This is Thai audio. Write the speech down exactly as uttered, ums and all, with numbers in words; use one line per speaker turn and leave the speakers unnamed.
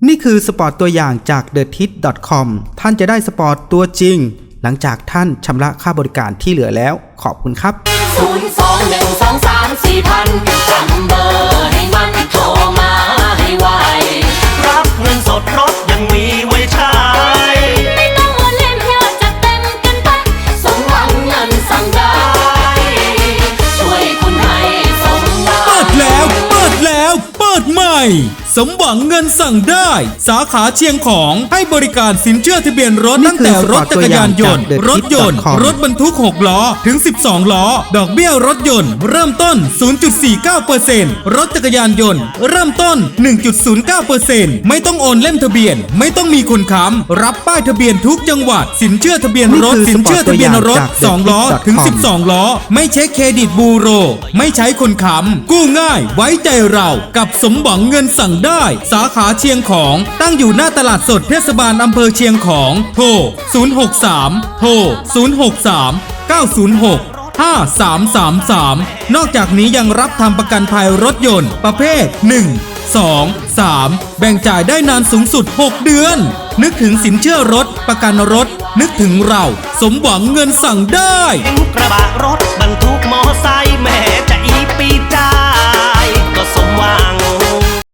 นี่คือสปอร์ตตัวอย่างจาก เดอะทิส ดอท คอม ท่านจะได้สปอร์ตตัวจริงหลังจากท่านชำระค่าบริการที่เหลือแล้วขอบคุณครับ
ศูนย์ สอง หนึ่ง สอง สาม สี่ พันจำเบอร์ให้มันโทรมาให้ไว
รับเงินสดรถยังมีไว้ใช้
ไม่ต้องโอนเล่มเยอะจัดเต็มกันไปสมหวังเงินสั่งได้ช่วยคุณให้สมหวัง
เปิดแล้วเปิดแล้วเปิดใหม่สมหวังเงินสั่งได้สาขาเชียงของให้บริการสินเชื่อทะเบียนรถตั้งแต่รถจักรยานยนต์รถยนต์รถบรรทุกหกล้อถึงสิบสองล้อดอกเบี้ยรถยนต์เริ่มต้น ศูนย์จุดสี่เก้าเปอร์เซ็นต์ รถจักรยานยนต์เริ่มต้น หนึ่งจุดศูนย์เก้าเปอร์เซ็นต์ ไม่ต้องโอนเล่มทะเบียนไม่ต้องมีคนค้ำรับป้ายทะเบียนทุกจังหวัดสินเชื่อทะเบียนรถสินเชื่อทะเบียนรถสองล้อถึงสิบสองล้อไม่เช็คเครดิตบูโรไม่ใช้คนค้ำกู้ง่ายไว้ใจเรากับสมหวังเงินสั่งได้สาขาเชียงของตั้งอยู่หน้าตลาดสดเทศบาลอำเภอเชียงของโทรศูนย์ หก สาม โทรศูนย์ หก สาม เก้า ศูนย์ หก ห้า สาม สาม สามนอกจากนี้ยังรับทำประกันภัยรถยนต์ประเภทหนึ่ง สอง สามแบ่งจ่ายได้นานสูงสุดหกเดือนนึกถึงสินเชื่อรถประกันรถนึกถึงเราสมหวังเงินสั่งได้
กระบะรถบรรทุกมอไซ